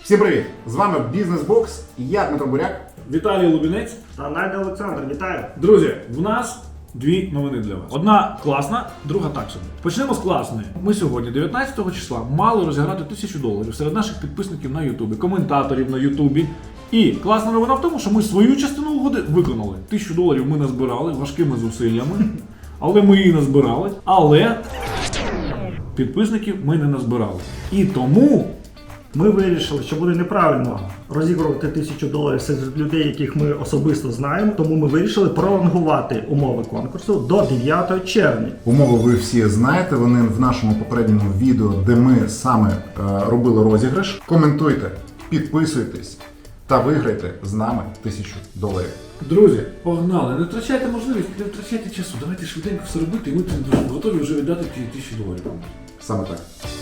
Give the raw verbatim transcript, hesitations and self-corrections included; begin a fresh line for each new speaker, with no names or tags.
Всім привіт! З вами Бізнес-бокс, я Дмитро Буряк.
Віталій Лубінець
Та Надя Олександр, вітаю!
Друзі, в нас дві новини для вас. Одна класна, друга так собі. Почнемо з класної. Ми сьогодні, дев'ятнадцятого числа, мали розіграти тисячу доларів серед наших підписників на Ютубі, коментаторів на Ютубі. І класна новина в тому, що ми свою частину угоди виконали. Тисячу доларів ми назбирали важкими зусиллями, але ми її назбирали. Але підписників ми не назбирали. І тому
Ми вирішили, що буде неправильно розігрувати тисячу доларів серед людей, яких ми особисто знаємо, тому ми вирішили пролонгувати умови конкурсу до дев'ятого червня.
Умови ви всі знаєте, вони в нашому попередньому відео, де ми саме е, робили розіграш. Коментуйте, підписуйтесь та виграйте з нами тисячу доларів.
друзі, погнали, не втрачайте можливість, не втрачайте часу. Давайте швиденько все робити, і ми готові вже віддати ті тисячі доларів.
Саме так.